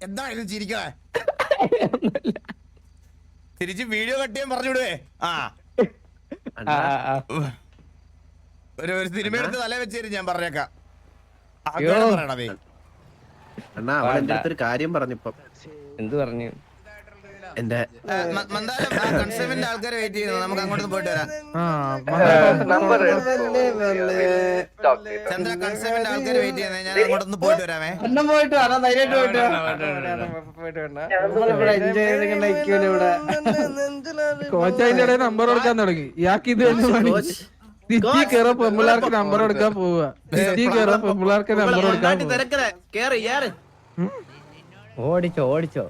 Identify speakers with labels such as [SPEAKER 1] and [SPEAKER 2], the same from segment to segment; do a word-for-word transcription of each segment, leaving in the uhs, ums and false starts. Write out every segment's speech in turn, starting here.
[SPEAKER 1] എന്തായാലും ചിരിക്കണേ. തിരിച്ച് video cut ചെയ്യാൻ പറഞ്ഞു വിടുവേ. ആ ഒരു ഒരു സിനിമ എടുത്ത് തല വെച്ചേരും ഞാൻ പറഞ്ഞേക്കാം. പറയണേ
[SPEAKER 2] അണ്ണാ അവൾ എന്റെ അടുത്തൊരു കാര്യം പറഞ്ഞിപ്പോ.
[SPEAKER 3] എന്ത് പറഞ്ഞു?
[SPEAKER 2] എന്റെ
[SPEAKER 1] കൺസ്യൂമറിന്റെ ആൾക്കാരെ വെയിറ്റ് ചെയ്യുന്നു. നമുക്ക് അങ്ങോട്ട് പോയിട്ട് വരാം. ചന്ദ്ര കൺസ്യൂമറിന്റെ ആൾക്കാരെ വെയിറ്റ് ചെയ്യുന്നത്. ഞാൻ അങ്ങോട്ടൊന്ന് പോയിട്ട് വരാമേ.
[SPEAKER 4] പോയിട്ട് വരാം, ധൈര്യമായിട്ട് പോയിട്ട് ഇവിടെ
[SPEAKER 5] കോച്ച് അതിന്റെ ഇടയിൽ നമ്പർ കൊടുക്കാൻ തുടങ്ങി. ഇയാൾക്ക് ഇത് സിറ്റി കയറ പെമ്പിള്ളാർക്ക് നമ്പർ കൊടുക്കാൻ പോവുക. സിറ്റി കയറ പെമ്പിള്ളാർക്ക് നമ്പർ കൊടുക്കാൻ
[SPEAKER 3] ഓടിച്ചോ ഓടിച്ചോ.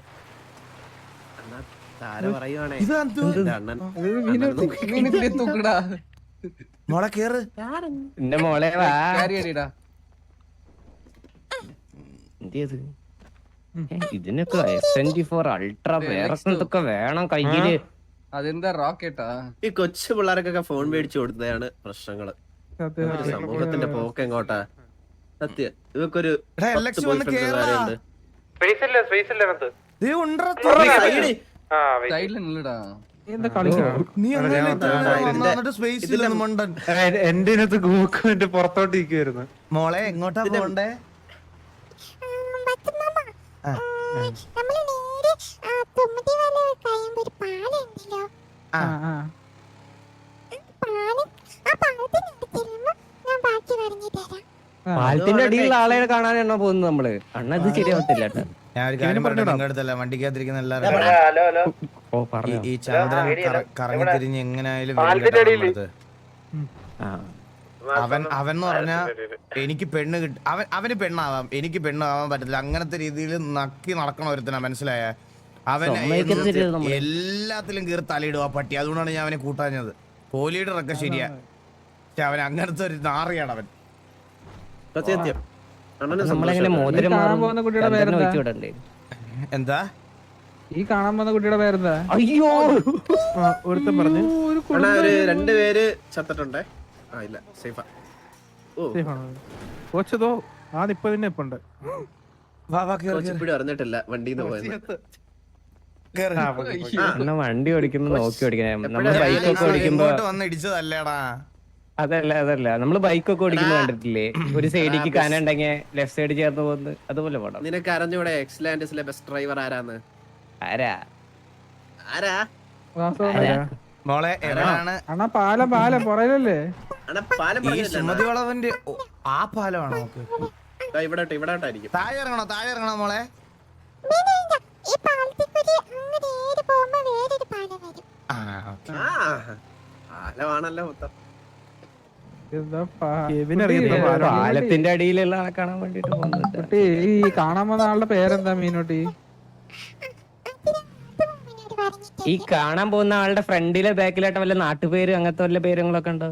[SPEAKER 1] മോളെ കേറ്.
[SPEAKER 3] എന്റെ മോളെ വാ. എന്ത് ഇതിനൊക്കെ എസ് ട്വന്റി ഫോർ അൾട്രാ വേറെ എന്തൊക്കെ വേണം കയ്യില്.
[SPEAKER 4] അതെന്താ റോക്കറ്റാ?
[SPEAKER 2] ഈ കൊച്ചു പിള്ളേർക്കൊക്കെ ഫോൺ മേടിച്ചു കൊടുത്തതാണ് പ്രശ്നങ്ങള്. സമൂഹത്തിന്റെ പോക്ക് എങ്ങോട്ടാ? സത്യം ഇവക്കൊരു
[SPEAKER 5] എന്റെ ഗൂക്കോന്റെ പുറത്തോട്ട് ഇരിക്കുവായിരുന്നു.
[SPEAKER 1] മോളെ എങ്ങോട്ടാ പോണ്ടേ?
[SPEAKER 3] പാലത്തിന്റെ അടിയിലുള്ള ആളെ കാണാനാണോ പോകുന്നത് നമ്മള്? അണ്ണ ഇത് ശരിയാവത്തില്ല.
[SPEAKER 1] ഞാൻ ഒരു കാര്യം പറഞ്ഞു നിങ്ങളുടെ അടുത്തല്ല, വണ്ടിക്കകത്തിരിക്കുന്ന എല്ലാവരും ഈ ചന്ദ്രൻ കറങ്ങി തിരിഞ്ഞ് എങ്ങനെയായാലും അവൻ അവൻ എന്ന് പറഞ്ഞാ എനിക്ക് പെണ്ണ് കിട്ടും. അവൻ അവന് പെണ്ണാവാം, എനിക്ക് പെണ്ണാവാൻ പറ്റത്തില്ല. അങ്ങനത്തെ രീതിയിൽ നക്കി നടക്കണ ഒരുത്തനാ, മനസ്സിലായ? അവൻ എല്ലാത്തിലും കയറി തലയിടും ആ പട്ടി. അതുകൊണ്ടാണ് ഞാൻ അവനെ കൂട്ടാഞ്ഞത്. കോഹ്ലിയുടെ ഒക്കെ ശരിയാ, പക്ഷെ അവൻ അങ്ങനത്തെ ഒരു നാറിയാണ് അവൻ. എന്താ
[SPEAKER 5] ഈ കാണാൻ പോകുന്ന കുട്ടിയുടെ പേരെന്താ?
[SPEAKER 3] അയ്യോ
[SPEAKER 5] ഒരുത്തൻ പറഞ്ഞു
[SPEAKER 2] രണ്ടുപേര് ചത്തിട്ടുണ്ടേ.
[SPEAKER 5] കോച്ചതോ ആദ്യപ്പോ തന്നെ ഇപ്പുണ്ട്.
[SPEAKER 2] അറിഞ്ഞിട്ടില്ല വണ്ടിന്ന് പോയത്.
[SPEAKER 3] വണ്ടി ഓടിക്കുമ്പോ നോക്കി ഓടിക്കണം. നമ്മള് ബൈക്കൊക്കെ ഓടിക്കുമ്പോ
[SPEAKER 1] വന്ന് ഇടിച്ചതല്ലേടാ.
[SPEAKER 3] അതല്ല അതല്ല നമ്മള് ബൈക്കൊക്കെ ഓടിക്കുമ്പോ കണ്ടിട്ടില്ലേ, ഒരു സൈഡിക്ക് കാനുണ്ടെങ്കിൽ ലെഫ്റ്റ് സൈഡ് ചേർന്ന് പോകുന്നത്? അതുപോലെ പോണം.
[SPEAKER 2] നിനക്ക് അറിഞ്ഞൂടെ എക്സലാൻഡസിലെ ബെസ്റ്റ് ഡ്രൈവർ ആരാന്ന്?
[SPEAKER 3] ആരാ
[SPEAKER 2] ആരാ
[SPEAKER 1] മോളെ എവിടെയാണ്?
[SPEAKER 5] അണ്ണാ പാലം പാലം പുറയിലല്ലേ?
[SPEAKER 1] ഈ സുമതി വളവന്റെ ആ പാലമാണോ?
[SPEAKER 2] ഇവിടെ ഇവിടെ
[SPEAKER 1] താഴെ ഇറങ്ങണോ? താഴെ ഇറങ്ങണോ മോളെ?
[SPEAKER 2] പാലമാണല്ലോ മൊത്തം.
[SPEAKER 3] പാലത്തിന്റെ അടിയിലുള്ള ആളെ കാണാൻ വേണ്ടിട്ട് പോകുന്നത്.
[SPEAKER 5] ഈ കാണാൻ വന്ന ആളുടെ പേരെന്താ മീനോട്ടി?
[SPEAKER 3] ഈ കാണാൻ പോകുന്ന ആളുടെ ഫ്രണ്ടിലെ ബാക്കിലായിട്ട് വല്ല നാട്ടുപേര് അങ്ങനത്തെ വല്ല പേരുകളൊക്കെ ഉണ്ടോ?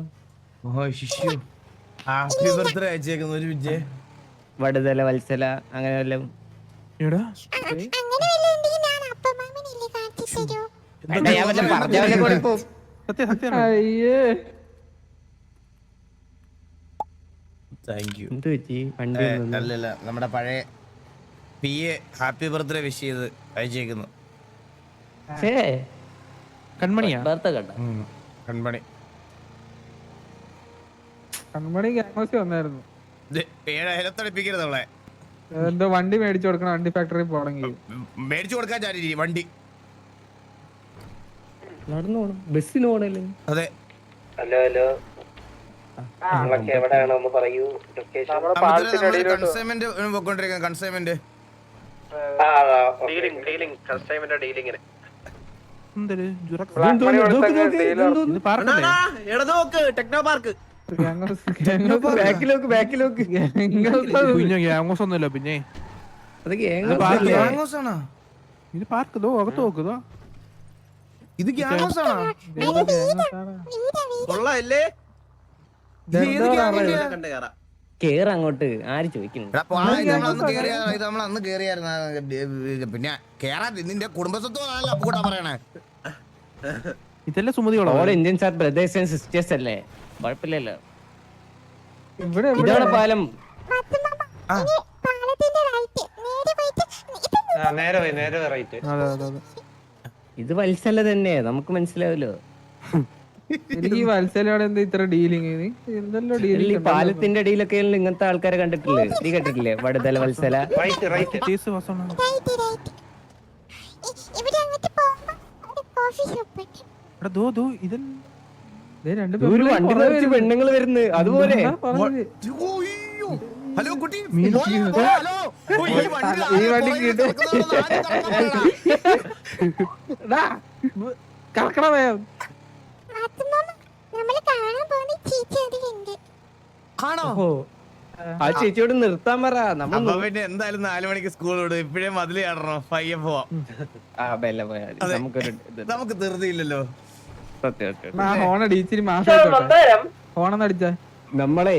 [SPEAKER 3] വടുതല വത്സല അങ്ങനെ വല്ലതും?
[SPEAKER 1] അല്ലല്ല, നമ്മുടെ പഴയ P A happy birthday wish ചെയ്ത് അയച്ചേക്കുന്നു.
[SPEAKER 5] കൺമണിയാ?
[SPEAKER 1] കൺമണി
[SPEAKER 5] കൺമണി ഗ്യാങ്സ് വന്നായിരുന്നു.
[SPEAKER 1] ഏഴായിരത്തടിപ്പിക്കരുത് അവളെ.
[SPEAKER 5] എന്തോ വണ്ടി മേടിച്ചു കൊടുക്കണം, വണ്ടി ഫാക്ടറി പോണെങ്കിൽ.
[SPEAKER 1] മേടിച്ചു കൊടുക്കാൻ ചാരി വണ്ടി
[SPEAKER 3] നടന്നു പോണം, ബസ്സിന് പോണല്ലേ?
[SPEAKER 1] അതെ.
[SPEAKER 6] ഹലോ ഹലോ എവിടെയാണോ ഒന്ന് പറയൂ.
[SPEAKER 1] കൺസൈൻമെന്റ് പോയിക്കൊണ്ടിരിക്കുന്ന കൺസൈൻമെന്റ്
[SPEAKER 2] ഡീലിങ്ങിന് ടെക്നോ പാർക്ക്
[SPEAKER 5] ഒന്നുമില്ല. പിന്നെ ഇത് പാർക്ക് ഇതോ അകത്ത് നോക്കുതോ.
[SPEAKER 1] ഇത് ഗ്യാങ്സ് ആണോ?
[SPEAKER 2] കൊള്ളാല്ലേ?
[SPEAKER 3] കേറ് അങ്ങോട്ട്. ആര് ചോദിക്കുന്നു?
[SPEAKER 1] നമ്മളന്ന് കേറിയായിരുന്ന പിന്നെ കേറാ. നിന്റെ കുടുംബസ്വത്തോ കൂട്ടാ പറയണേ.
[SPEAKER 5] ഇതല്ലേ സുമതിയോളോ?
[SPEAKER 3] Indians are brothers and sisters അല്ലേ? കുഴപ്പമില്ലല്ലോ.
[SPEAKER 5] ഇവിടെ
[SPEAKER 3] ഇതാണ് പാലം.
[SPEAKER 7] നേരെ പോയി നേരെ റൈറ്റ്.
[SPEAKER 5] അതെ അതെ അതെ.
[SPEAKER 3] ഇത് വത്സല തന്നെ നമുക്ക് മനസ്സിലാവല്ലോ.
[SPEAKER 5] എനിക്ക് ഈ വത്സലയോടെ എന്താ ഇത്ര ഡീലിങ്? എന്തെല്ലോ
[SPEAKER 3] ഈ
[SPEAKER 5] ഡീലിംഗ്
[SPEAKER 3] പാലത്തിന്റെ അടിയിലൊക്കെ ഇങ്ങനത്തെ ആൾക്കാരെ കണ്ടിട്ടില്ലേ? നീ കണ്ടിട്ടില്ലേ വടുതല വത്സല?
[SPEAKER 7] Right right.
[SPEAKER 3] ഒരു വണ്ടി നിറച്ച് പെണ്ണുങ്ങൾ വരുന്നു അതുപോലെ.
[SPEAKER 1] ഹലോ കുട്ടി,
[SPEAKER 5] മീൻ
[SPEAKER 1] മോനെ,
[SPEAKER 5] ചെയ്യുന്നത്?
[SPEAKER 1] ഓ, ഹലോ. ഓ, ഈ വണ്ടി
[SPEAKER 5] ഈ വണ്ടി
[SPEAKER 1] പുറകിൽ
[SPEAKER 5] കിട്ടും.
[SPEAKER 1] കിടക്കുന്നതുകൊണ്ട് ആരും കറക്കണ്ട.
[SPEAKER 5] കറക്കണ വേം.
[SPEAKER 1] ആണോ?
[SPEAKER 3] ആ ചേച്ചിയോട് നിർത്താൻ പറ. നമ്മൾ
[SPEAKER 1] അപ്പൊ പിന്നെ എന്തായാലും നാലു മണിക്ക് സ്കൂൾ വിടും. ഇപ്പഴേ മതില് കയറണോ? പയ്യെ പോവാം.
[SPEAKER 3] ആ ബെല്ല പോയാ മതി.
[SPEAKER 1] അതെ.
[SPEAKER 3] നമുക്കൊരു ഇത്
[SPEAKER 1] നമുക്ക് ധൃതിയില്ലല്ലോ.
[SPEAKER 3] സത്യം സത്യം.
[SPEAKER 5] ആ ഹോണടി ഇച്ചിരി മാസം ഹോണെന്ന് അടിച്ചാ
[SPEAKER 3] നമ്മളെ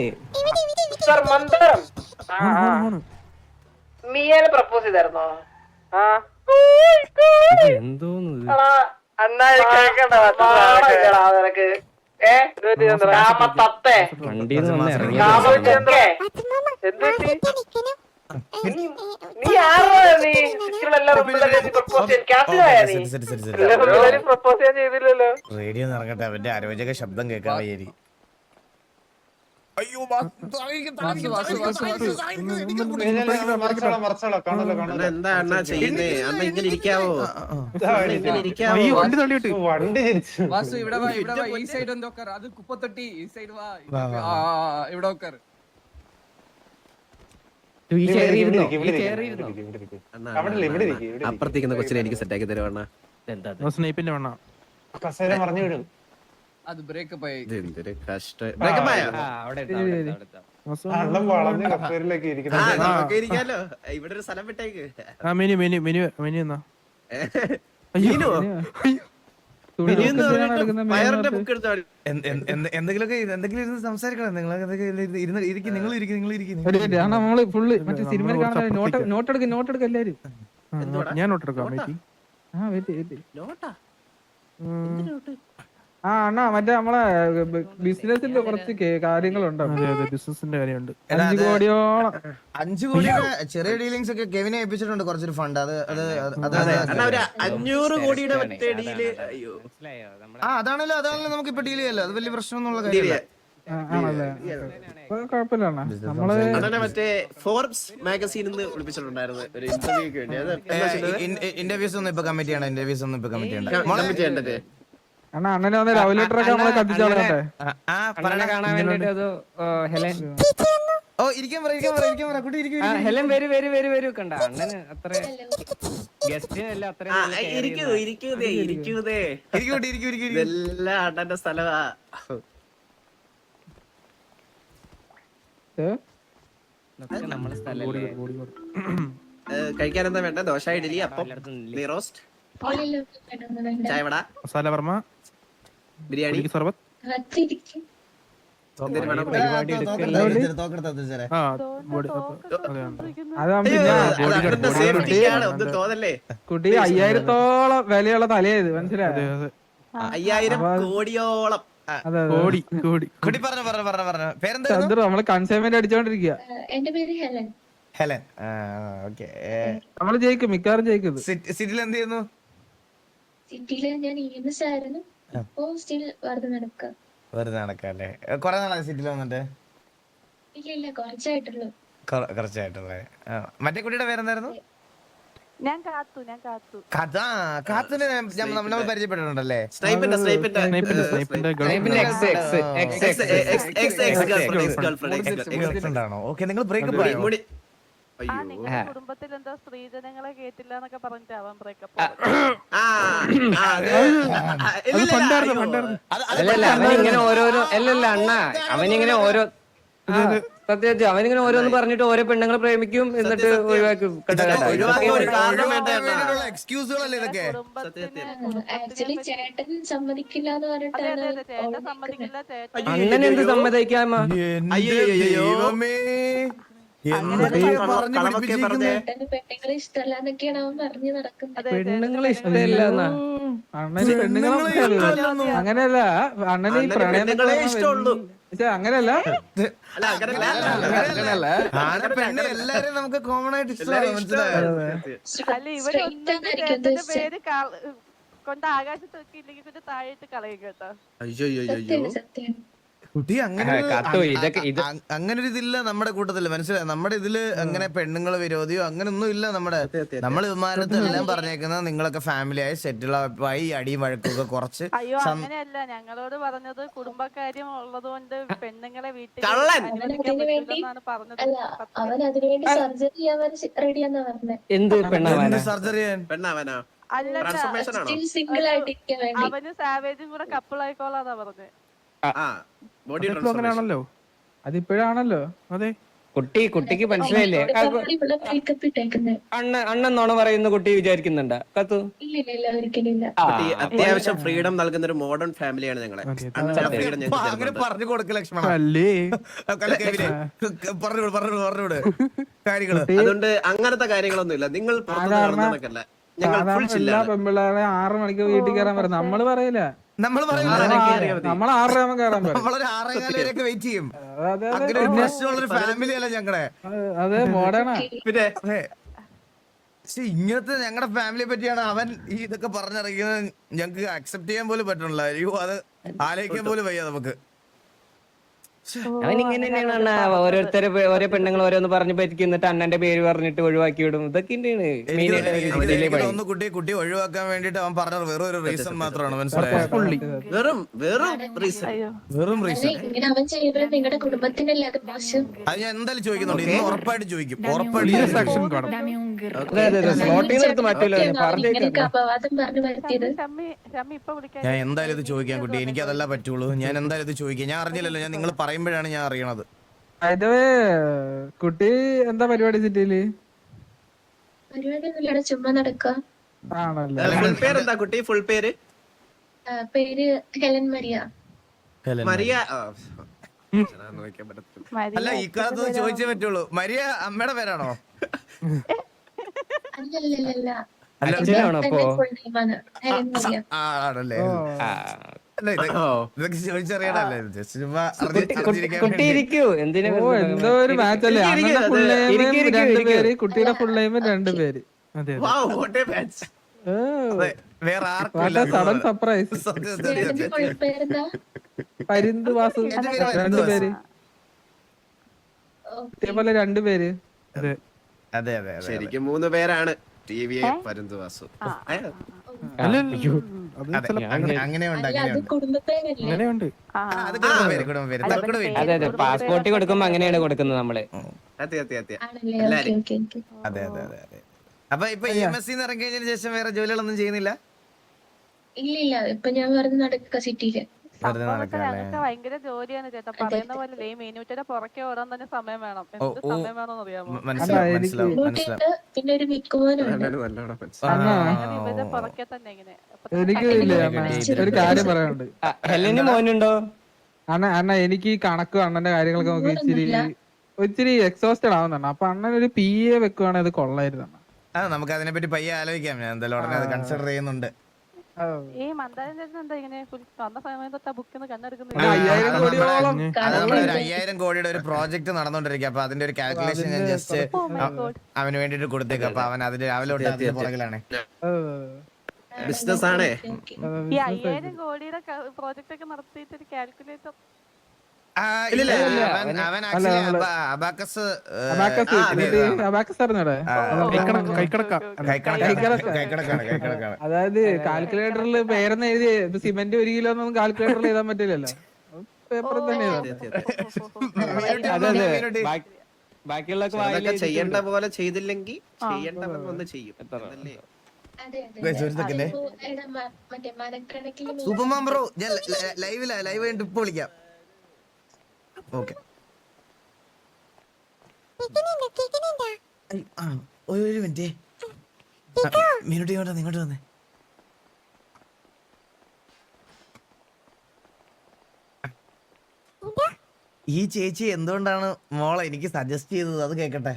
[SPEAKER 4] മിയാനെ പ്രപ്പോസ് ചെയ്തായിരുന്നോ?
[SPEAKER 3] എന്തോന്ന്
[SPEAKER 4] നിനക്ക് തത്തേ
[SPEAKER 3] വണ്ടിന്ന് വന്ന് ഇറങ്ങി.
[SPEAKER 4] നീ ആരോ നീ പ്രപ്പോസ്
[SPEAKER 1] ശരി, ശരി, ശരി, ശരി.
[SPEAKER 4] പ്രപ്പോസ് ചെയ്യാൻ ചെയ്തില്ലല്ലോ.
[SPEAKER 1] റേഡിയോ ഇറങ്ങട്ടെ, അവന്റെ അരോചക ശബ്ദം കേൾക്കാൻ വയ്യേരി. അയ്യോ വാ, താഴേക്ക്, താഴേക്ക്, താഴേക്ക്, താഴേക്ക്, താഴേക്ക്, എനിക്ക് കൂടി.
[SPEAKER 7] മറച്ചോളാം മറച്ചോളാം. കാണല്ലോ
[SPEAKER 2] അണ്ണാ
[SPEAKER 7] കാണല്ലോ.
[SPEAKER 2] എന്താ അണ്ണാ ചെയ്യുന്നേ? അണ്ണ ഇങ്ങനെ ഇരിക്കാവോ? അണ്ണാ ഇങ്ങനെ ഇരിക്കാവോ?
[SPEAKER 5] വണ്ടി തള്ളിയിട്ട്
[SPEAKER 7] വണ്ടി തിരിച്ചു.
[SPEAKER 4] വാസു ഇവിടെ വാ, ഇവിടെ വാ, ഈ സൈഡ് എന്തോ കർ, അത് കുപ്പത്തൊട്ടി ഈ സൈഡ് വാ.
[SPEAKER 1] വാ, വാ,
[SPEAKER 4] ആ, ആ, ഇവിടെ ഉക്കാർ.
[SPEAKER 3] ഈ ചെയറിൽ ഇരുന്നോ?
[SPEAKER 7] ഇവിടെ
[SPEAKER 3] ഈ
[SPEAKER 7] ഇരിക്ക്,
[SPEAKER 3] ചെയറിൽ
[SPEAKER 7] ഇവിടെ
[SPEAKER 3] ഇരുന്നോ?
[SPEAKER 7] ഇരിക്ക്, ഇവിടെ ഇരിക്ക്.
[SPEAKER 2] അണ്ണാ,
[SPEAKER 7] അവിടെ ഇല്ല, ഇവിടെ ഇരിക്ക്, ഇവിടെ ഇരിക്ക്.
[SPEAKER 2] അപ്പുറത്തേക്കുന്ന കൊച്ചിനെ എനിക്ക് സെറ്റാക്കി തരുവാ അണ്ണാ.
[SPEAKER 3] എന്താ അത്?
[SPEAKER 5] സ്നേഹിപ്പിന്റെ വേണ
[SPEAKER 7] കസേര മറിഞ്ഞു വിടും.
[SPEAKER 4] അത് ബ്രേക്കപ്പ് ആയി.
[SPEAKER 2] ഇത് എന്തൊരു കഷ്ടം. ബ്രേക്കപ്പ് ആയോ?
[SPEAKER 3] ആ, അവിടെ ഇട്ടോ, അവിടെ ഇട്ടോ, അവിടെ ഇട്ടോ.
[SPEAKER 7] അണ്ണം വളഞ്ഞ് കസേരയിലേക്ക്
[SPEAKER 2] ആ,
[SPEAKER 7] ഇരിക്കുന്നത്.
[SPEAKER 2] നമുക്ക് ഇരിക്കാലോ. ഇവിടെ ഒരു സ്ഥലം വിട്ടേക്ക്.
[SPEAKER 5] ആ മെനു മെനു മെനു മെനു എന്നാ
[SPEAKER 2] മീനോ? മിനി എന്ന് പറഞ്ഞിട്ട് പയറിന്റെ ബുക്ക് എടുത്താ മതി.
[SPEAKER 1] എന്ത്- എന്ത്- എന്ത്- എന്തെങ്കിലുമൊക്കെ എന്തെങ്കിലും ഇരുന്ന് സംസാരിക്കണം. നിങ്ങൾ ഇരുന്ന് ഇരിക്കും, നിങ്ങൾ ഇരിക്കും, നിങ്ങൾ ഇരിക്കും.
[SPEAKER 5] നമ്മള് ഫുള്ള് മറ്റേ സിനിമയിൽ കാണാൻ നോട്ട് നോട്ട് എടുക്കും നോട്ട് എടുക്കും എല്ലാരും.
[SPEAKER 2] എന്തുവാടാ?
[SPEAKER 5] ഞാൻ നോട്ട് എടുക്കാം
[SPEAKER 2] നോട്ടാ?
[SPEAKER 5] ആ വെയിറ്റ് വെയിറ്റ്
[SPEAKER 2] നോട്ടാ?
[SPEAKER 5] ആ അണ്ണാ മറ്റേ നമ്മളെ ബിസിനസിന്റെ കുറച്ച് കാര്യങ്ങളുണ്ടോ? ബിസിനസിന്റെ കാര്യമുണ്ട്.
[SPEAKER 1] എടാ,
[SPEAKER 5] അഞ്ചു
[SPEAKER 1] അത്
[SPEAKER 5] കോടിയോളം
[SPEAKER 1] അഞ്ചു കോടിയുടെ ചെറിയ ഡീലിങ്സ് ഒക്കെ കെവിനെ ഏൽപ്പിച്ചിട്ടുണ്ട്. കുറച്ചൊരു ഫണ്ട് അത് അത് അത്
[SPEAKER 2] അതെ,
[SPEAKER 1] അത്
[SPEAKER 2] അണ്ണാ ഒരു അഞ്ഞൂറ് കോടിയുടെ മറ്റേ ഡീല്. അയ്യോ,
[SPEAKER 3] മനസ്സിലായോ? നമ്മളെ
[SPEAKER 1] ആ അതാണല്ലോ അതാണല്ലോ നമുക്ക് ഇപ്പൊ ഡീൽ ചെയ്യല്ലോ. അത് വലിയ പ്രശ്നമൊന്നുള്ള
[SPEAKER 2] ഡീല്
[SPEAKER 1] കാര്യമില്ല.
[SPEAKER 2] ചെയ്യാം.
[SPEAKER 5] ആ, ആണല്ലേ അപ്പൊ കുഴപ്പമില്ല അണ്ണാ. നമ്മള്
[SPEAKER 2] അണ്ണനെ മറ്റേ ഫോർബ്സ് മാഗസീനിൽ നിന്ന് വിളിപ്പിച്ചിട്ടുണ്ടായിരുന്നു ഒരു ഇന്റർവ്യൂക്ക് വേണ്ടി. അത് എന്താ ചെയ്തത്?
[SPEAKER 1] ഇന്റർവ്യൂസ് ഒന്നും ഇപ്പൊ കമ്മിറ്റ് ചെയ്യണം. ഇന്റർവ്യൂസ് ഒന്നും ഇപ്പൊ കമ്മിറ്റ് ചെയ്യണ്ട.
[SPEAKER 2] കമ്മിറ്റ് ചെയ്യേണ്ടത്?
[SPEAKER 5] അണ്ണാ അണ്ണനെ വന്ന് ലവ് ലെറ്റർ ഒക്കെ നമ്മളെ കത്തിച്ചോളട്ടെ.
[SPEAKER 1] ആ
[SPEAKER 3] അണ്ണനെ കാണാൻ വേണ്ടിട്ട് അത് ഓ, ഹെലൻ
[SPEAKER 1] ഓ ഇരിക്കാൻ പറ ഇരിക്കാൻ പറ ഇരിക്കാൻ പറ കുട്ടി ഇരിക്കും.
[SPEAKER 3] ആ, ഹെലൻ വരൂ വരൂ വരൂ വരൂ. കണ്ട അണ്ണന് അത്ര ഗസ്റ്റിനല്ല അത്ര
[SPEAKER 2] ആ, ഇരിക്കൂ ഇരിക്കൂതേ ഇരിക്കൂതേ.
[SPEAKER 1] ഇരിക്കും കുട്ടി ഇരിക്കും ഇരിക്കും.
[SPEAKER 2] ഇതെല്ലാം അണ്ണന്റെ സ്ഥലമാ.
[SPEAKER 3] നമ്മളെ സ്ഥലല്ലേ.
[SPEAKER 2] ഏ, കഴിക്കാൻ എന്താ വേണ്ട? ദോശ, ഇഡലി, അപ്പം, നെയ് റോസ്റ്റ്, ചായവട,
[SPEAKER 5] മസാല വർമ്മ
[SPEAKER 2] ബിരിയാണി,
[SPEAKER 5] സർബത്ത്.
[SPEAKER 2] എന്തിനു വേണം?
[SPEAKER 1] തോക്കെടുത്ത
[SPEAKER 5] ആ അതാ
[SPEAKER 2] അയ്യോ, അത് അണ്ണന്റെ സേഫ്റ്റിക്കാണ്, ഒന്നും തോന്നല്ലേ.
[SPEAKER 5] കുട്ടി അയ്യായിരത്തോളം വിലയുള്ള തലയത് മനസ്സിലായോ?
[SPEAKER 2] അയ്യായിരം കോടിയോളം.
[SPEAKER 5] അതെ കോടി കോടി
[SPEAKER 1] കുട്ടി പറഞ്ഞ പറഞ്ഞ പറഞ്ഞ പറഞ്ഞ പേരെന്താ?
[SPEAKER 5] ചന്ദ്രു നമ്മള് കൺസൈൻമെന്റ് അടിച്ചോണ്ടിരിക്കുക.
[SPEAKER 8] എന്റെ പേര് ഹെലൻ.
[SPEAKER 1] ഹെലൻ. ഓക്കെ.
[SPEAKER 5] നമ്മള് ജയിക്കും, മിക്കവാറും ജയിക്കും.
[SPEAKER 1] സിറ്റിയിൽ എന്ത് ചെയ്യുന്നു?
[SPEAKER 8] സിറ്റിയില് ഞാൻ ഇ എം എസ് ആയിരുന്നു. ഇപ്പോ സ്റ്റിൽ വെറുതെ നടക്കുക.
[SPEAKER 1] വെറുതെ നടക്കല്ലേ? കൊറേ നാളായി സിറ്റിയിൽ വന്നിട്ട്?
[SPEAKER 8] ഇല്ല ഇല്ല കുറച്ചായിട്ടുള്ളൂ.
[SPEAKER 1] കൊറ- കുറച്ചായിട്ടല്ലേ? ആ, മറ്റേ കുട്ടിയുടെ പേരെന്തായിരുന്നു?
[SPEAKER 9] ഞാൻ കാത്തു ഞാൻ കാത്തു
[SPEAKER 1] കഥ. കാത്തിന് നമ്മൾ പരിചയപ്പെട്ടിട്ടുണ്ടല്ലേ?
[SPEAKER 2] സ്നൈപ്പിന്റെ സ്നൈപ്പിന്റെ
[SPEAKER 5] സ്നൈപ്പിന്റെ സ്നൈപ്പിന്റെ
[SPEAKER 3] സ്നൈപ്പിന്റെ ex ex ex ex
[SPEAKER 2] ex ex ex girlfriend ex girlfriend
[SPEAKER 1] Girlfriend ആണോ? ഓക്കെ. നിങ്ങൾ ബ്രേക്കപ്പ് ആയോ?
[SPEAKER 2] മുടി.
[SPEAKER 9] ആ
[SPEAKER 2] അയ്യോ.
[SPEAKER 9] നിങ്ങളുടെ കുടുംബത്തിൽ എന്തോ സ്ത്രീജനങ്ങളെ കേട്ടില്ല എന്നൊക്കെ പറഞ്ഞിട്ടാവാൻ ബ്രേക്കപ്പ്.
[SPEAKER 2] ആ, ആ, അത് ആ, ഇല്ല, ഇല്ല,
[SPEAKER 5] പണ്ടായിരുന്നു
[SPEAKER 2] അയ്യോ.
[SPEAKER 5] പണ്ടായിരുന്നു.
[SPEAKER 1] അത് അത്
[SPEAKER 3] അല്ലല്ല അവനിങ്ങനെ ഓരോരോ അല്ലല്ല അണ്ണ അവനിങ്ങനെ ഓരോ ആ, സത്യത്തിൽ അവനിങ്ങനെ ഓരോന്ന് പറഞ്ഞിട്ട് ഓരോ പെണ്ണുങ്ങളെ പ്രേമിക്കും എന്നിട്ട് ഒഴിവാക്കും. കേട്ടോ, കേട്ടോ.
[SPEAKER 2] ഒഴിവാക്കാൻ ഒരു കാരണം വേണ്ട
[SPEAKER 1] ഒഴിവാക്കാൻ
[SPEAKER 2] കേട്ടോ.
[SPEAKER 1] വേണ്ടിയിട്ടുള്ള എക്സ്ക്യൂസുകളല്ലേ ഇതൊക്കെ?
[SPEAKER 8] ആക്ച്വലി ചേട്ടൻ സമ്മതിക്കില്ല എന്ന്
[SPEAKER 9] അതെ അതെ
[SPEAKER 8] പറഞ്ഞിട്ടാണ്
[SPEAKER 9] അതെ ചേട്ടൻ സമ്മതിക്കില്ല ചേട്ടൻ
[SPEAKER 3] അണ്ണൻ എന്ത് സമ്മതിക്കാമ?
[SPEAKER 1] എന്റെ
[SPEAKER 2] അയ്യയ്യയ്യോ.
[SPEAKER 1] ദൈവമേ. എന്തൊക്കെ പറഞ്ഞു
[SPEAKER 2] കളവൊക്കെ പറഞ്ഞേ.
[SPEAKER 8] ചേട്ടന് പെണ്ണുങ്ങളെ ഇഷ്ടമല്ല എന്നൊക്കെയാണ് അവൻ പറഞ്ഞു നടക്കുന്നത്.
[SPEAKER 9] അതെ, ചേട്ടന്
[SPEAKER 3] പെണ്ണുങ്ങളെ ഇഷ്ടമല്ല എന്നാ.
[SPEAKER 5] അണ്ണന് പെണ്ണുങ്ങളെ ഇഷ്ടമല്ല. അങ്ങനെയല്ല അണ്ണന് ഈ
[SPEAKER 2] അണ്ണന്
[SPEAKER 5] പ്രണയം
[SPEAKER 2] പെണ്ണുങ്ങളെ ഇഷ്ടമുള്ളൂ.
[SPEAKER 5] പക്ഷെ അങ്ങനെയല്ല
[SPEAKER 2] അല്ല അങ്ങനല്ല
[SPEAKER 5] അങ്ങനെയല്ല
[SPEAKER 1] ആന പെണ്ണ് എല്ലാരും നമുക്ക് കോമൺ ആയിട്ട് ഇഷ്ടമാണ്, മനസ്സിലായോ?
[SPEAKER 9] അല്ല ഇവര് ഒന്നും പേര് കള- കൊണ്ട് ആകാശത്ത് വെക്കില്ലെങ്കിൽ കൊണ്ട് താഴെയിട്ട് കളയും കേട്ടോ.
[SPEAKER 2] അയ്യോ അയ്യോ അയ്യോ
[SPEAKER 8] സത്യാണ് സത്യാണ്.
[SPEAKER 1] കുട്ടി അങ്ങനെ ഒരു-
[SPEAKER 3] കത്തു, ഇതൊക്കെ ഇത്
[SPEAKER 1] അ- അങ്ങനെ ഒരു ഇതില്ല നമ്മുടെ കൂട്ടത്തില്, മനസ്സിലായോ? നമ്മുടെ ഇതില് അങ്ങനെ പെണ്ണുങ്ങള് വിരോധിയോ അങ്ങനെ ഒന്നും ഇല്ല. നമ്മുടെ നമ്മൾ വിമാനത്തിൽ എല്ലാം പറഞ്ഞേക്കുന്നത് നിങ്ങളൊക്കെ ഫാമിലി ആയി സെറ്റിൽ ആയി അടിയും വഴക്കൊക്കെ കുറച്ച്
[SPEAKER 9] അയ്യോ
[SPEAKER 1] സം-
[SPEAKER 9] അങ്ങനെയല്ല, ഞങ്ങളോട് പറഞ്ഞത് കുടുംബക്കാര്യം ഉള്ളത് കൊണ്ട് പെണ്ണുങ്ങളെ വീട്ടിൽ
[SPEAKER 2] കള്ളൻ.
[SPEAKER 9] അനുവദിക്കാൻ
[SPEAKER 8] അതിന് വേണ്ടി
[SPEAKER 9] പറ്റില്ലെന്നാണ് പറഞ്ഞത്.
[SPEAKER 8] അല്ല അവൻ അതിനുവേണ്ടി സർജറി ചെയ്യാൻ റെഡിയാന്നാ പറഞ്ഞത്.
[SPEAKER 3] എന്ത് പെണ്ണാവാനാ?
[SPEAKER 1] എന്ത് സർജറി ചെയ്യാൻ?
[SPEAKER 2] പെണ്ണാവനാ
[SPEAKER 9] അല്ലല്ല,
[SPEAKER 2] ട്രാൻസ്ഫോർമേഷൻ ആണോ?
[SPEAKER 8] സ്റ്റിൽ സിംഗിൾ ആയിട്ടിരിക്കാൻ വേണ്ടി.
[SPEAKER 9] അവന് സാവേജും കൂടെ കപ്പിൾ ആയിക്കോളാന്നാ പറഞ്ഞത്.
[SPEAKER 2] ആ ബോഡി
[SPEAKER 5] അങ്ങനെയാണല്ലോ, അതിപ്പോഴാണല്ലോ. അതെ,
[SPEAKER 3] കുട്ടി കുട്ടിക്ക് മനസ്സിലായില്ലേ?
[SPEAKER 8] ഇവിടെ മേക്കപ്പ് ഇട്ടേക്കുന്നത്.
[SPEAKER 3] അണ്ണ അണ്ണെന്നാണോ പറയുന്ന കുട്ടി വിചാരിക്കുന്നുണ്ടാ കത്തു?
[SPEAKER 8] ഇല്ല ഇല്ല ഇല്ല ഒരിക്കലും ഇല്ല.
[SPEAKER 3] ആ,
[SPEAKER 2] അത്യാവശ്യം ഫ്രീഡം നൽകുന്ന ഒരു മോഡേൺ ഫാമിലിയാണ് ഞങ്ങളെ. ഫ്രീഡം
[SPEAKER 1] അപ്പൊ അങ്ങനെ പറഞ്ഞു കൊടുക്ക ലക്ഷ്മണ.
[SPEAKER 5] അല്ലേ
[SPEAKER 1] കല കെവിനെ. പറഞ്ഞോട് പറഞ്ഞോട് പറഞ്ഞോട് കാര്യങ്ങള്.
[SPEAKER 2] അതുകൊണ്ട് അങ്ങനത്തെ കാര്യങ്ങളൊന്നും ഇല്ല. നിങ്ങൾ പുറത്തുനിന്ന് നടന്നതൊക്കെയല്ല, ഞങ്ങൾ ഫുൾ
[SPEAKER 5] സാധാരണ എല്ലാ
[SPEAKER 2] ചില്ലാണ്.
[SPEAKER 5] പെമ്പിള്ളേരെ ആറ് മണിക്ക് വീട്ടിൽ കയറാൻ പറയും. നമ്മള് പറയില്ല,
[SPEAKER 1] നമ്മള് പറയുന്നത്
[SPEAKER 5] നമ്മൾ ആറര ആവുമ്പോ കയറാൻ പറയും.
[SPEAKER 1] നമ്മളൊരു ആറേകാലം വരെയൊക്കെ വെയിറ്റ് ചെയ്യും.
[SPEAKER 5] അതെ
[SPEAKER 1] അങ്ങനെ ഒരു പ്രശ്നമുള്ളൊരു ഫാമിലി അല്ല ഞങ്ങളെ.
[SPEAKER 5] അതെ മോഡേണാ.
[SPEAKER 2] പിന്നെ
[SPEAKER 1] അതെ. പക്ഷെ ഇങ്ങനത്തെ ഞങ്ങളുടെ ഫാമിലിയെ പറ്റിയാണ് അവൻ ഈ ഇതൊക്കെ പറഞ്ഞിറങ്ങിയത്. ഞങ്ങക്ക് അക്സെപ്റ്റ് ചെയ്യാൻ പോലും പറ്റണില്ല. അയ്യോ, അത് ആലോചിക്കാൻ പോലും വയ്യ നമുക്ക്.
[SPEAKER 3] അവൻ ഇങ്ങനെ തന്നെയാണ് അണ്ണാ. ഓരോരുത്തരെ പേ- ഓരോ പെണ്ണുങ്ങൾ ഓരോന്ന് പറഞ്ഞു പറ്റിക്കുന്നിട്ട് അണ്ണന്റെ പേര് പറഞ്ഞിട്ട് ഒഴിവാക്കി വിടും. ഇതൊക്കെ തന്നെയാണ്
[SPEAKER 1] എനിക്ക്
[SPEAKER 3] മെയിൻ ആയിട്ട്
[SPEAKER 1] എനിക്ക്
[SPEAKER 3] ഇതിലെ
[SPEAKER 1] എനിക്ക്
[SPEAKER 3] പണി.
[SPEAKER 1] തോന്നുന്നു കുട്ടി കുട്ടി ഒഴിവാക്കാൻ വേണ്ടിട്ട് അവൻ പറഞ്ഞ വെറും ഒരു റീസൺ മാത്രമാണ്, മനസ്സിലായോ?
[SPEAKER 2] വെറും വെറും റീസൺ.
[SPEAKER 9] അയ്യോ
[SPEAKER 1] വെറും റീസൺ.
[SPEAKER 8] അല്ല, ഇങ്ങനെ അവൻ ചെയ്യുമ്പോൾ നിങ്ങളുടെ കുടുംബത്തിനല്ലേ അത് മോശം.
[SPEAKER 1] അത് ഞാൻ എന്തായാലും ചോദിക്കുന്നുണ്ട്, ഇന്ന് ഉറപ്പായിട്ട് ചോദിക്കും, ഉറപ്പായിട്ട് ചോദിക്കും.
[SPEAKER 3] അതെ അതെ അതെ സ്ലോട്ടിൽ നിർത്ത് മാറ്റൂല
[SPEAKER 8] ഇങ്ങനെയൊക്കെ
[SPEAKER 3] പറഞ്ഞേക്കാം.
[SPEAKER 8] അപവാദം പറഞ്ഞു വരുത്തിയത്.
[SPEAKER 9] ഷമ്മി ഷമ്മി ഇപ്പൊ വിളിക്കാൻ.
[SPEAKER 1] ഞാൻ എന്തായാലും ഇത് ചോദിക്കാൻ കുട്ടി, എനിക്ക് അതല്ല പറ്റുള്ളൂ. ഞാൻ എന്തായാലും ഇത് ചോദിക്കാം. ഞാൻ അറിഞ്ഞില്ലല്ലോ, ഞാൻ നിങ്ങൾ പറയുമ്പോഴാണ് ഞാൻ അറിയണത്.
[SPEAKER 5] അതിന്റെ കുട്ടി എന്താ പരിപാടി സിറ്റിയില്?
[SPEAKER 8] പരിപാടി ഒന്നുമില്ല, ചുമ്മാ നടക്കുക.
[SPEAKER 5] ആണല്ലേ.
[SPEAKER 2] ഫുൾ പേര് എന്താ കുട്ടി? ഫുൾ പേര്
[SPEAKER 8] ആ, പേര് ഹെലൻ മരിയ.
[SPEAKER 2] മരിയ. ആ, ആ, നോക്കിയാൻ പറ്റത്തില്ല.
[SPEAKER 1] അല്ല, ഈ കാലത്ത് ചോദിച്ചേ പറ്റുള്ളൂ. മരിയ അമ്മയുടെ പേരാണോ?
[SPEAKER 8] അല്ലല്ലല്ല,
[SPEAKER 3] അച്ഛനാണോ അപ്പോ?
[SPEAKER 8] ഫുൾ നെയിമാണ് ഹെലൻ മരിയ.
[SPEAKER 1] ആ, ആണല്ലേ.
[SPEAKER 3] ആ.
[SPEAKER 1] അല്ല, ഇത്
[SPEAKER 2] ഓ
[SPEAKER 1] ഇതൊക്കെ ചോദിച്ചറിയണല്ലേ, ജസ്റ്റ് ചുമ്മാ അറിഞ്ഞ്
[SPEAKER 3] കുട്ടി- കുട്ടി-
[SPEAKER 1] അറിഞ്ഞിരിക്കാൻ
[SPEAKER 3] കുട്ടി
[SPEAKER 1] വേണ്ടി.
[SPEAKER 3] ഇരിക്കൂ. എന്തിനാ
[SPEAKER 5] ഓ എന്തോ ഒരു മാച്ച് അല്ലേ.
[SPEAKER 2] ഇരിക്ക്,
[SPEAKER 5] അണ്ണന്റെ ഫുൾ
[SPEAKER 2] അതെ.
[SPEAKER 5] നെയിമും
[SPEAKER 3] ഇരിക്ക്, ഇരിക്ക്,
[SPEAKER 5] രണ്ട്
[SPEAKER 3] ഇരിക്ക്.
[SPEAKER 5] പേര്, കുട്ടിയുടെ ഫുൾ നെയിമും രണ്ട് പേര്. അതെ
[SPEAKER 2] വൗ, what a match.
[SPEAKER 1] അതെ, വേറെ ആർക്കും
[SPEAKER 5] വാട്ട്
[SPEAKER 1] ഇല്ല.
[SPEAKER 5] Sudden surprise.
[SPEAKER 1] സത്യം, സത്യം,
[SPEAKER 8] ചേട്ടന്റെ
[SPEAKER 1] സത്യം.
[SPEAKER 8] ഫുൾ പേരെന്താ?
[SPEAKER 5] പരിന്ത് വാസു.
[SPEAKER 1] എന്റെ പേര് പരിന്ത്
[SPEAKER 5] രണ്ട്
[SPEAKER 1] വാസു.
[SPEAKER 5] പേര്, ഇതേപോലെ രണ്ട് പേര്. അതെ
[SPEAKER 1] അതെ അതെ അതെ.
[SPEAKER 2] ശരിക്കും മൂന്ന് പേരാണ്. ടി വി എ പരുന്തുവാസു. ഏ?
[SPEAKER 1] അതെ, അങ്ങനെ- അങ്ങനെയുണ്ട്
[SPEAKER 8] അല്ല, അത്
[SPEAKER 1] അങ്ങനെയുണ്ട്.
[SPEAKER 8] കുടുംബപ്പേരല്ലേ?
[SPEAKER 9] ആ
[SPEAKER 1] ആ, അത് കുടുംബ പേര് കുടുംബ പേര് തക്കട് പേര്.
[SPEAKER 3] അതെ അതെ പാസ്പോർട്ട് കൊടുക്കുമ്പോ അങ്ങനെയാണ് കൊടുക്കുന്നത് നമ്മള്.
[SPEAKER 2] അതെ അതെ അതെ.
[SPEAKER 8] ആണല്ലേ, ഓക്കെ
[SPEAKER 2] എല്ലാരും.
[SPEAKER 8] Okay okay.
[SPEAKER 1] അതെ അതെ അതെ അതെ. അപ്പൊ ഇപ്പൊ ഇ എം എസ് സി ഇറങ്ങി കഴിഞ്ഞതിന് ശേഷം വേറെ ജോലികളൊന്നും ചെയ്യുന്നില്ല?
[SPEAKER 8] ഇല്ല ഇല്ല, ഇപ്പൊ ഞാൻ വെറുതെ നടക്കുക സിറ്റിയില്.
[SPEAKER 1] വെറുതെ
[SPEAKER 9] സംഭവമൊക്കെ
[SPEAKER 1] നടക്കാല്ലേ?
[SPEAKER 9] ഞങ്ങൾക്ക് ഭയങ്കര ജോലിയാണ് ചേട്ടാ. പറയുന്ന പോലെ ഈ മീനൂറ്റിയുടെ പുറകെ ഓടാൻ തന്നെ സമയം വേണം. എന്ത്
[SPEAKER 1] ഓ, ഓ.
[SPEAKER 9] സമയം വേണമെന്ന് അറിയാമോ?
[SPEAKER 1] മ- മനസ്സിലാവും മനസ്സിലാവും മനസ്സിലാവും.
[SPEAKER 8] കൂട്ടിയിട്ട് പിന്നെ ഒരു വിക്കുവാനുണ്ട്.
[SPEAKER 2] നല്ലോണം നല്ലോണം മനസ്സിലായി.
[SPEAKER 5] അണ്ണാ
[SPEAKER 9] ഞങ്ങൾ ഇവരുടെ പുറകെ തന്നെ ഇങ്ങനെ. അപ്പൊ
[SPEAKER 5] എനിക്ക് ഇല്ലേ അണ്ണാ, ഒരു കാര്യം പറയാനുണ്ട്.
[SPEAKER 3] ആ, ഹെലന് മോനുണ്ടോ?
[SPEAKER 5] അണ്ണ അണ്ണ എനിക്ക് ഈ കണക്കും അണ്ണന്റെ കാര്യങ്ങളൊക്കെ നോക്കി ഇച്ചിരി ഇച്ചിരി എക്സോസ്റ്റഡ് ആവുന്നുണ്ട്. അപ്പൊ അണ്ണൻ ഒരു പി എ വെക്കുവാണെങ്കിൽ അത് കൊള്ളായിരുന്നു അണ്ണ.
[SPEAKER 1] ആ, നമുക്ക് അതിനെ പറ്റി പയ്യെ ആലോചിക്കാം. ഞാൻ എന്തായാലും ഉടനെ അത് കൺസിഡർ ചെയ്യുന്നുണ്ട്.
[SPEAKER 9] ഈ മന്ദാരം ചേട്ടൻ എന്താ ഇങ്ങനെ ഫുൾ വന്ന സമയം തൊട്ടാ ബുക്കിന്ന്
[SPEAKER 5] ഒരു
[SPEAKER 9] കണ്ണെടുക്കുന്നത്?
[SPEAKER 5] അയ്യായിരം കോടിയോളം
[SPEAKER 1] അത് നമ്മുടെ ഒരു അയ്യായിരം കോടിയുടെ ഒരു പ്രോജക്ട് നടന്നുകൊണ്ടിരിക്കുക. അപ്പൊ അതിന്റെ ഒരു കാൽക്കുലേഷൻ ഞാൻ ജസ്റ്റ് അവന് വേണ്ടിട്ട് കൊടുത്തേക്ക്. അപ്പൊ അവൻ അതിന്റെ രാവിലെ തൊട്ട് അതിന്റെ പുറകിലാണ്.
[SPEAKER 2] ബിസിനസ് ആണേ.
[SPEAKER 8] ഓക്കെ.
[SPEAKER 9] ഈ അയ്യായിരം കോടിയുടെ പ്രോജക്റ്റ് ഒക്കെ നടത്തിയിട്ട് ഒരു കാൽക്കുലേറ്റർ.
[SPEAKER 1] ആ, ഇല്ല, അവൻ അവൻ ആക്ച്വലി അബാക്കസ്
[SPEAKER 5] അബാക്കസ് അബാക്കസ് അറിഞ്ഞൂടെ?
[SPEAKER 1] കൈക്കണക്കാണ് കൈക്കണക്കാണ്.
[SPEAKER 5] അതായത് കാൽക്കുലേറ്ററിൽ പേരെന്ന് എഴുതി ഇപ്പൊ സിമെന്റ് ഒരു കിലോ ഒന്നും കാൽക്കുലേറ്ററിൽ എഴുതാൻ പറ്റില്ലല്ലോ. പേപ്പറിൽ തന്നെ എഴുതാം.
[SPEAKER 3] അതെ അതെ ബാക്കി- ബാക്കിയുള്ളതൊക്കെ
[SPEAKER 2] അതൊക്കെ
[SPEAKER 3] വായില്
[SPEAKER 2] ചെയ്യേണ്ട പോലെ ചെയ്തില്ലെങ്കിൽ ചെയ്യേണ്ടവൻ വന്ന് ചെയ്യും. അതല്ലേ?
[SPEAKER 8] അതെ അതെ
[SPEAKER 1] Guys, ഒരു second.
[SPEAKER 8] അതിപ്പോ എടാ, മ- മറ്റേ മനക്കണക്കിൽ
[SPEAKER 1] സൂപ്പർമാൻ ബ്രോ, ഞാൻ ലൈവിലാ ലൈവ് കഴിഞ്ഞിട്ട് ഇപ്പൊ വിളിക്കാം. ഓക്കെ, ഒരു മിനിറ്റ്. മിനിറ്റ് ഇങ്ങോട്ട് ഇങ്ങോട്ട് വന്നേ. ഈ ചേച്ചി എന്തുകൊണ്ടാണ് മോളെ എനിക്ക് സജസ്റ്റ് ചെയ്തത് അത് കേക്കട്ടെ.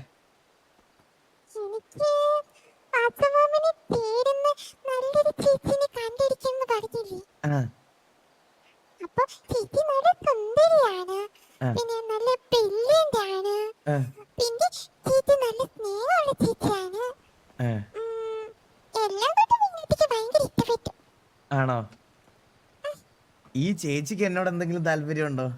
[SPEAKER 1] ആ,
[SPEAKER 10] അപ്പൊ ചേച്ചി നല്ല സുന്ദരിയാണ്.
[SPEAKER 8] പിന്നെ നല്ല ബ്രില്യന്റ് ആണ്,
[SPEAKER 1] ആ,
[SPEAKER 8] പിന്നെ ചേച്ചി നല്ല സ്നേഹമുള്ള ചേച്ചിയാണ്.
[SPEAKER 1] ആ.
[SPEAKER 8] ഉം, എല്ലാം കൊണ്ടും മീനുട്ടിക്ക് ഭയങ്കര ഇഷ്ടപ്പെട്ടു.
[SPEAKER 1] ആണോ? ഈ ചേച്ചിക്ക് എന്നോട് എന്തെങ്കിലും താല്പര്യമുണ്ടോ?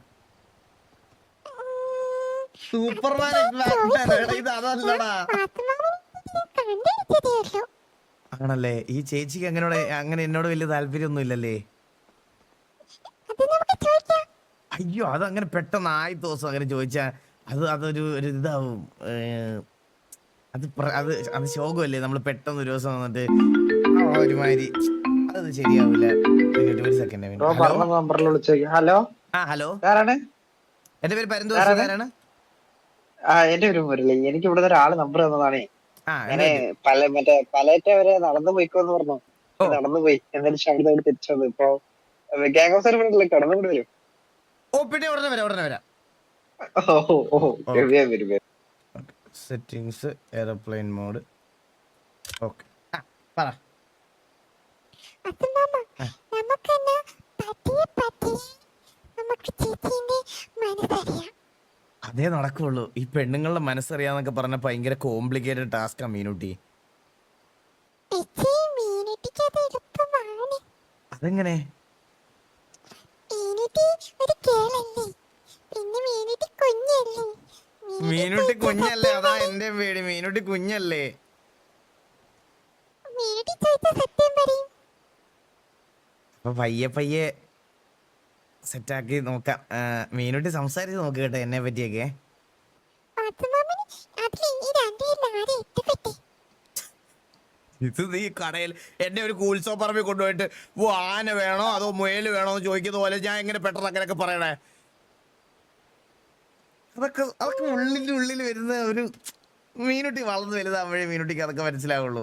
[SPEAKER 1] സൂപ്പർമാൻ ഇത് അതല്ലടാ.
[SPEAKER 8] കണ്ടുപിടിച്ചതേ ഉള്ളൂ.
[SPEAKER 1] ആണല്ലേ? ഈ ചേച്ചിക്ക് അങ്ങനോട് അങ്ങനെ എന്നോട് വലിയ താല്പര്യമൊന്നും ഇല്ലല്ലേ?
[SPEAKER 8] അത് നമുക്ക് ചോദിക്കാം.
[SPEAKER 1] അയ്യോ, അത് അങ്ങനെ പെട്ടെന്ന് ആദ്യത്തെ ദിവസം അങ്ങനെ ചോദിച്ചാ അത് അതൊരു ഒരു ഇതാവും. ഏഹ്, അത് പ്ര- അത് അത് ശോകമല്ലേ? നമ്മൾ പെട്ടെന്ന് ഒരു ദിവസം വന്നിട്ട് ആ ഒരുമാതിരി അത് ശരിയാവില്ല. ഒരു- ഒരു സെക്കൻഡ്.
[SPEAKER 6] നമ്പറിൽ വിളിച്ചു. ഹലോ,
[SPEAKER 1] ആ ഹലോ,
[SPEAKER 6] ആരാണ്?
[SPEAKER 1] എന്റെ പേര് പരന്തോഷാരാണ്.
[SPEAKER 6] ആ, എന്റെ ഒരു മുരളി. എനിക്ക് ഇവിടെ ഒരാള് നമ്പർ തന്നതാണേ.
[SPEAKER 1] ആ
[SPEAKER 6] ഞാന് പല മറ്റേ പലയറ്റ വരെ നടന്നു പോയിക്കോന്ന് പറഞ്ഞു.
[SPEAKER 1] ഓ.
[SPEAKER 6] നടന്നു പോയി, എന്നാലും ഷൗട്ട് അവിടെ തിരിച്ചു വന്നു. ഇപ്പൊ ഗ്യാങ് ഓഫ് സർവീസിലെ കടന്നു കൂടി വരും.
[SPEAKER 1] ഓ പിന്നെ ഉടനെ വരാം, ഉടനെ വരാം.
[SPEAKER 6] ഓ ഓ വരും വരും വരും.
[SPEAKER 1] Settings airplane mode. ഓക്കെ, പറ.
[SPEAKER 8] അച്ഛൻ മാമ, നമുക്കെന്നാ പതിയെ പതിയെ നമുക്ക് ചേച്ചീന്റെ മനസ്സറിയാം.
[SPEAKER 1] അതേ നടക്കുള്ളൂ. ഈ പെണ്ണുങ്ങളുടെ മനസ്സറിയാന്നൊക്കെ പറഞ്ഞ ഭയങ്കര കോംപ്ലിക്കേറ്റഡ് ടാസ്കാ മീനുട്ടി.
[SPEAKER 8] ചേച്ചി, മീനുട്ടിക്ക് അത് എളുപ്പമാണ്.
[SPEAKER 1] അതെങ്ങനെ?
[SPEAKER 8] മീനുട്ടി ഒരു കേളല്ലേ, പിന്നെ മീനുട്ടി കുഞ്ഞല്ലേ.
[SPEAKER 1] മീനുട്ടി കുഞ്ഞല്ലേ? അതാ എന്റെ പേടി. മീനുട്ടി കുഞ്ഞല്ലേ?
[SPEAKER 8] മീനുട്ടി ചോദിച്ച സത്യം പറയും.
[SPEAKER 1] അപ്പൊ പയ്യെ പയ്യെ സെറ്റാക്കി നോക്കാം. ആ, മീനുട്ടി സംസാരിച്ച് നോക്ക് കേട്ടോ എന്നെ പറ്റിയൊക്കെ.
[SPEAKER 8] അച്ഛൻ മാമന് അതിൽ ഈ രണ്ടുപേരിൽ ആരെ ഇഷ്ടപ്പെട്ടെ?
[SPEAKER 1] ഇത് നീ കടയിൽ എന്നെ ഒരു കൂത്സവ പറമ്പിൽ കൊണ്ടുപോയിട്ട് ഓ ആന വേണോ അതോ മുയല് വേണോ എന്ന് ചോദിക്കുന്ന പോലെ ഞാൻ എങ്ങനെ പെട്ടെന്ന് അങ്ങനെയൊക്കെ പറയണേ? അതൊക്കെ അതൊക്കെ ഉള്ളിൻ്റെ ഉള്ളിൽ വരുന്ന ഒരു മീനുട്ടി വളർന്ന് വലുതാകുമ്പോഴേ മീനുട്ടിക്ക് അതൊക്കെ മനസ്സിലാവുള്ളൂ.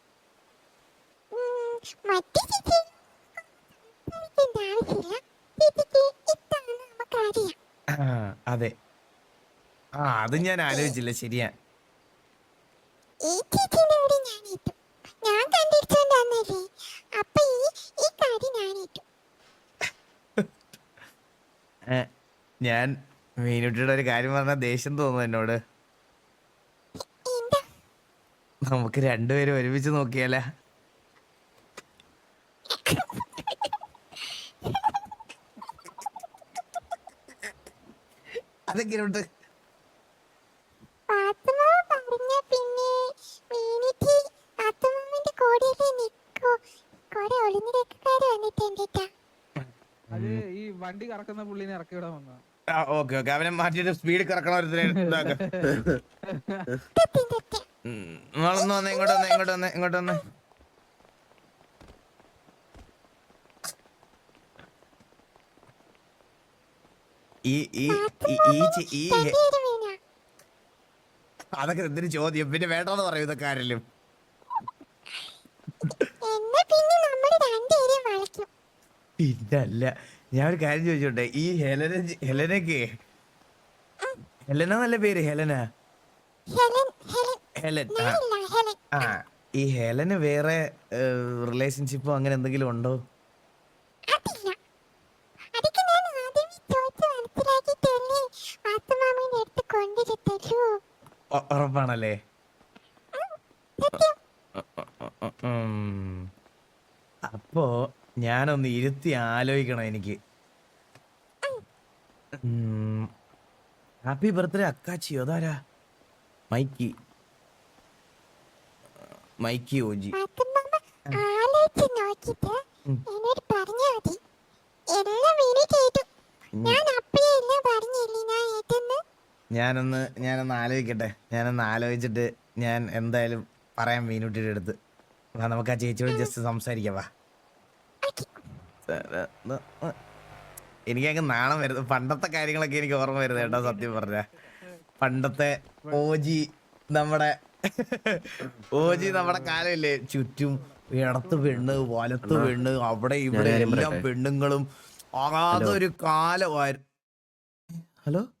[SPEAKER 8] ഉം, മറ്റേ ചേച്ചി സംസാരിക്കേണ്ട ആവശ്യമില്ല. ചേച്ചിക്ക് ഇതാണ് നമുക്കറിയാം.
[SPEAKER 1] ആ, അതെ. ആ, അത് ഞാൻ ആലോചിച്ചില്ല. ശരിയാ.
[SPEAKER 8] ഈ ചേച്ചിനോട് ഞാൻ ഏറ്റു. ഞാൻ കണ്ടിരിച്ചോണ്ടല്ലേ. അപ്പൊ ഈ ഈ കാര്യം ഞാൻ ഏറ്റു.
[SPEAKER 1] ഏ, ഞാൻ മീനുട്ടിയുടെ ഒരു കാര്യം പറഞ്ഞാൽ ദേഷ്യം തോന്നുന്നു എന്നോട്.
[SPEAKER 8] എന്താ?
[SPEAKER 1] നമുക്ക് രണ്ടുപേരും ഒരുമിച്ച് നോക്കിയാലേ? അതെങ്ങനെയുണ്ട്?
[SPEAKER 8] പാത്തുമാമ പറഞ്ഞ പിന്നെ മീനുട്ടി പാത്തുമാമന്റെ കൂടെയല്ലേ നിക്കോ. കുറെ ഒളിഞ്ഞിരക്കാര് വന്നിട്ടുണ്ട് ട്ടാ.
[SPEAKER 5] അത് ഈ വണ്ടി കറക്കുന്ന പുള്ളിനെ ഇറക്കി വിടാൻ വന്നതാ.
[SPEAKER 1] ആ, ഓക്കെ ഓക്കെ. അവനെ മാറ്റിയിട്ട് സ്പീഡ് കറക്കണ ഒരുത്തനെ ഇതാക്ക.
[SPEAKER 8] സത്യം സത്യം.
[SPEAKER 1] ഉം, നിങ്ങളൊന്ന് വന്നേ, ഇങ്ങോട്ട് വന്നേ, ഇങ്ങോട്ട് വന്നേ, ഇങ്ങോട്ട് വന്നേ. ഈ ഈ ഈ- ഈ ചെ- ഈ ഹെ-
[SPEAKER 8] രണ്ടുപേരും വീണാ.
[SPEAKER 1] അതൊക്കെ എന്തൊരു ചോദ്യം? പിന്നെ വേണ്ടെന്ന് പറയും ഇതൊക്കെ ആരെങ്കിലും.
[SPEAKER 8] എന്നാ പിന്നെ നമ്മള് രണ്ടുപേരെയും വളയ്ക്കും.
[SPEAKER 1] ഇതല്ല, ഞാൻ ഒരു കാര്യം ചോദിച്ചോട്ടെ. ഈ ഹെലന ഹെലനക്ക് ഹെലന നല്ല പേര്. ഹെലന
[SPEAKER 8] ഹെലൻ ഹെലൻ
[SPEAKER 1] ഹെലൻ ആ
[SPEAKER 8] ഞാനില്ല ഹെലൻ.
[SPEAKER 1] ആ ഈ ഹെലന് വേറെ റിലേഷൻഷിപ്പോ അങ്ങനെ എന്തെങ്കിലും ഉണ്ടോ?
[SPEAKER 8] അതില്ല. അതൊക്കെ ഞാൻ ആദ്യമേ ചോദിച്ച് മനസ്സിലാക്കിയിട്ടല്ലേ പാത്തുമാമന്റെ അടുത്ത് കൊണ്ടിരുത്തല്ലോ.
[SPEAKER 1] ഉ- ഉറപ്പാണല്ലേ?
[SPEAKER 8] സത്യം.
[SPEAKER 1] ഉം. അപ്പോ ഞാനൊന്ന് ഇരുത്തി ആലോചിക്കണം എനിക്ക്. ഹാപ്പി ബർത്ത്ഡേ അക്കാച്ചിയോ? അതാരാ? മൈക്കി മൈക്കി ഓജി.
[SPEAKER 8] പാത്തുമാമ ആലോചിച്ച് നോക്കിയിട്ട് എന്നോട് പറഞ്ഞാ മതി. എല്ലാം മീനുട്ടി ഏറ്റു. ഞാൻ അപ്പഴേ എല്ലാം പറഞ്ഞില്ലേ ഞാൻ ഏറ്റെന്ന്.
[SPEAKER 1] ഞാനൊന്ന് ഞാനൊന്ന് ആലോചിക്കട്ടെ. ഞാനൊന്ന് ആലോചിച്ചിട്ട് ഞാൻ എന്തായാലും പറയാം മീനുട്ടിയുടെ അടുത്ത്. വാ, നമുക്ക് ആ ചേച്ചിയോട് ജസ്റ്റ് സംസാരിക്കാം. വാ. എനിക്കങ്ങ് നാണം വരുന്നു. പണ്ടത്തെ കാര്യങ്ങളൊക്കെ എനിക്ക് ഓർമ്മ വരുന്നത് കേട്ടോ, സത്യം പറഞ്ഞ. പണ്ടത്തെ ഓജി നമ്മുടെ ഓജി നമ്മുടെ കാലമില്ലേ? ചുറ്റും ഇടത്ത് പെണ്ണ്, വലത്ത് പെണ്ണ്, അവിടെ ഇവിടെ
[SPEAKER 2] ഞാനൊരു കാര്യം
[SPEAKER 1] എല്ലാം
[SPEAKER 2] പറയട്ടെ?
[SPEAKER 1] പെണ്ണുങ്ങളും. അതൊരു കാലമായിരുന്നു. ഹലോ